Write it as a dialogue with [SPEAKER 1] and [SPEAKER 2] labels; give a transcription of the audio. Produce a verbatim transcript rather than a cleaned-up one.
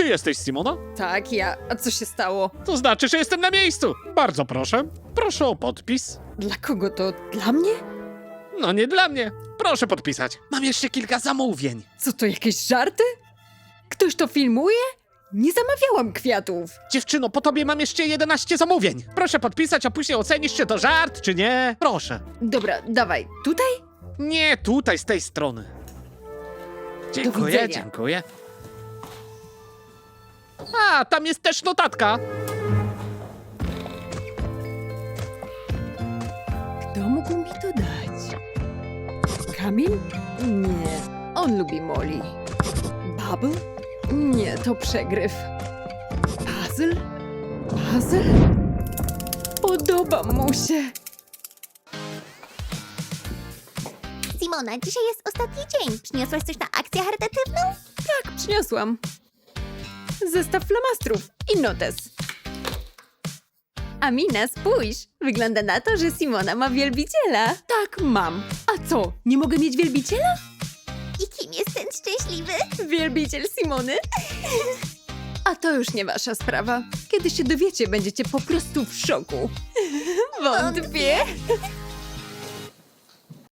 [SPEAKER 1] jesteś Simona?
[SPEAKER 2] Tak, ja. A co się stało?
[SPEAKER 1] To znaczy, że jestem na miejscu. Bardzo proszę. Proszę o podpis.
[SPEAKER 2] Dla kogo to? Dla mnie?
[SPEAKER 1] No nie dla mnie. Proszę podpisać. Mam jeszcze kilka zamówień.
[SPEAKER 2] Co to, jakieś żarty? Ktoś to filmuje? Nie zamawiałam kwiatów.
[SPEAKER 1] Dziewczyno, po tobie mam jeszcze jedenaście zamówień. Proszę podpisać, a później ocenisz, czy to żart, czy nie. Proszę.
[SPEAKER 2] Dobra, dawaj. Tutaj?
[SPEAKER 1] Nie, tutaj, z tej strony. Dziękuję,
[SPEAKER 2] widzenia.
[SPEAKER 1] dziękuję. A, tam jest też notatka.
[SPEAKER 2] Kto mógł mi to dać? Kamil? Nie, on lubi Molly. Bubble? Nie, to przegryw. Puzzle? Puzzle? Podoba mu się.
[SPEAKER 3] Simona, dzisiaj jest ostatni dzień. Przyniosłaś coś na akcję charytatywną?
[SPEAKER 2] Tak, przyniosłam. Zestaw flamastrów i notes. Amina, spójrz! Wygląda na to, że Simona ma wielbiciela. Tak, mam. A co, nie mogę mieć wielbiciela?
[SPEAKER 3] I kim jest ten szczęśliwy?
[SPEAKER 2] Wielbiciel Simony? A to już nie wasza sprawa. Kiedy się dowiecie, będziecie po prostu w szoku. Wątpię.